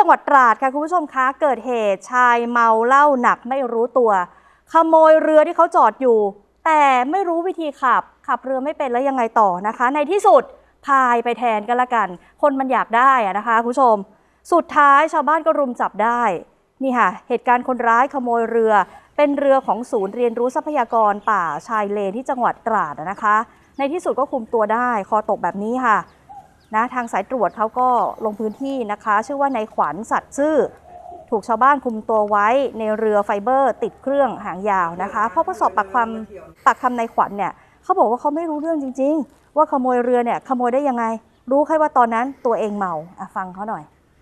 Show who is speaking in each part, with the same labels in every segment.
Speaker 1: งหวัดตราดค่ะคุณผู้ชมคะเกิดเหตุชายเมาเหล้าหนักไม่รู้ตัวขโมยเรือที่เขาจอดอยู่แต่ไม่รู้วิธีขับเรือไม่เป็นแล้วยังไงต่อนะคะในที่สุดพายไปแทนกันละกันคนมันอยากได้นะคะคุณผู้ชมสุดท้ายชาวบ้านก็รุมจับได้นี่ค่ะเหตุการณ์คนร้ายขโมยเรือเป็นเรือของศูนย์เรียนรู้ทรัพยากรป่าชายเลนที่จังหวัดตราดนะคะในที่สุดก็คุมตัวได้คอตกแบบนี้ค่ะนะทางสายตรวจเขาก็ลงพื้นที่นะคะชื่อว่านายขวัญสัตย์ซื่อถูกชาวบ้านคุมตัวไว้ในเรือไฟเบอร์ติดเครื่องหางยาวนะคะเพราะสอบปากคำนายขวัญเนี่ยเขาบอกว่าเขาไม่รู้เรื่องจริงๆว่าขโมยเรือเนี่ยขโมยได้ยังไงรู้แค่ว่าตอนนั้นตัวเองเมาฟังเขาหน่อย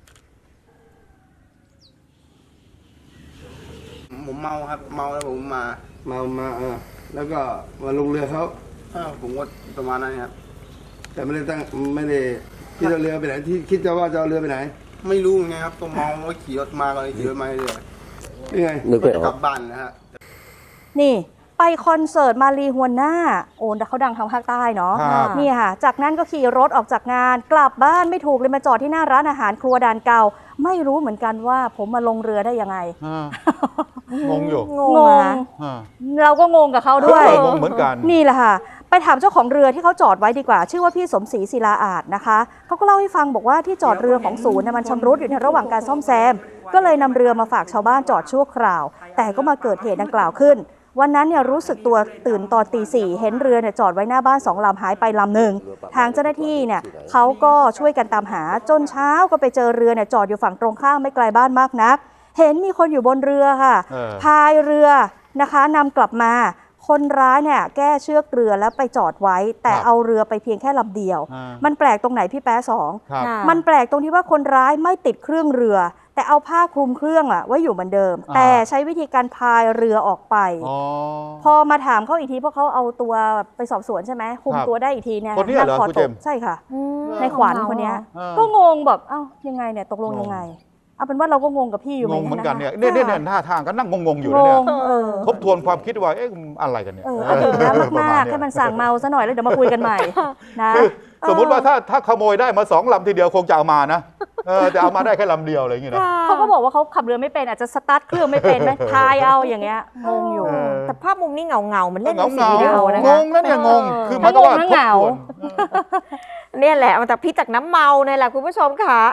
Speaker 2: ผมเมาครับเมาแล้วผมมา
Speaker 3: แล้วก็มาลงเรือเขา
Speaker 2: ผมก็ประมาณนั้นครับ
Speaker 3: แต่ไม่ได้คิดเอาเรือไปไหนที่คิดจะว่าจะเอาเรือไปไหน
Speaker 2: ไม่รู้ไงครับก็เมาแล้วขี่รถมาก็เลยขี่รถมาเรื่อย
Speaker 3: นี่ไง
Speaker 2: นึกไปกลับบ้านนะฮะ
Speaker 1: นี่ไปคอนเสิร์ตมาลีฮวนน่าโอนแต่เขาดังทางภาคใต้เนาะนี่ค่ะจากนั้นก็ขี่รถออกจากงานกลับบ้านไม่ถูกเลยมาจอดที่หน้าร้านอาหารครัวดานเก่าไม่รู้เหมือนกันว่าผมมาลงเรือได้ยังไง
Speaker 4: งงอยู่
Speaker 1: งงเราก็งงกับเขาด้วย
Speaker 4: งงเหมือนกัน
Speaker 1: นี่แหละค่ะไปถามเจ้าของเรือที่เขาจอดไว้ดีกว่าชื่อว่าพี่สมศรีศิลาอาจนะคะเขาก็เล่าให้ฟังบอกว่าที่จอดเรือของศูนย์มันชำรุดอยู่ในระหว่างการซ่อมแซมก็เลยนำเรือมาฝากชาวบ้านจอดชั่วคราวแต่ก็มาเกิดเหตุดังกล่าวขึ้นวันนั้นเนี่ยรู้สึกตัวตื่นตอนตี 4เห็นเรือเนี่ยจอดไว้หน้าบ้าน2 ลำหายไปลำหนึ่งทางเจ้าหน้าที่เนี่ยเขาก็ช่วยกันตามหาจนเช้าก็ไปเจอเรือเนี่ยจอดอยู่ฝั่งตรงข้ามไม่ไกลบ้านมากนักเห็นมีคนอยู่บนเรือค่ะพายเรือนะคะนำกลับมาคนร้ายเนี่ยแก้เชือกเรือแล้วไปจอดไว้แต่เอาเรือไปเพียงแค่ลำเดียวมันแปลกตรงไหนพี่แป๊ะ2มันแปลกตรงที่ว่าคนร้ายไม่ติดเครื่องเรือแต่เอาผ้าคลุมเครื่องไว้อยู่เหมือนเดิมแต่ใช้วิธีการพายเรือออกไปพอมาถามเขาอีกทีเพราะเขาเอาตัวไปสอบสวนใช่ไหมคุมตัวได้อีกทีเนี่ย
Speaker 4: คนนี้เหรอคุณเจม
Speaker 1: ใช่ค่ะในขวัญคนนี้ก็งงแบบเอ้ายังไงเนี่ยตกลงยังไงเอาเป็นว่าเราก็งงกับพี่อยู่
Speaker 4: งงเหมือนกันเนี่ยท่าทางก็นั่งงงอยู่เนี่ยทบทวนความคิดว่าเอ๊ะอะไรกันเนี่ย
Speaker 1: ดื่มน้ำมากๆแค่มันสั่งเมาซะหน่อยแล้วเดี๋ยวมาคุยกันใหม่นะ
Speaker 4: สมมติว่าถ้าขโมยได้มา2 ลำทีเดียวคงจะเอามานะแต่เอามาได้แค่ลำเดียวอะไรอย่างเงี้ยนะ
Speaker 1: เขาก็บอกว่าเขาขับเรือไม่เป็นอาจจะสตาร์ทเครื่องไม่เป็นไหมพายเอาอย่างเงี้ยงงอยู่
Speaker 5: แต่ภาพมุมนี้เงามันเล่นเป็น
Speaker 4: สี
Speaker 5: วิดีโอ
Speaker 4: นะงงนะเนี่ยงง
Speaker 1: คือมันก็ว่าทบทวน
Speaker 5: เนี่ยแหละมันจากพิษจากน้ำเมาเนี่ยแหละคุณผู้ชมค่ะ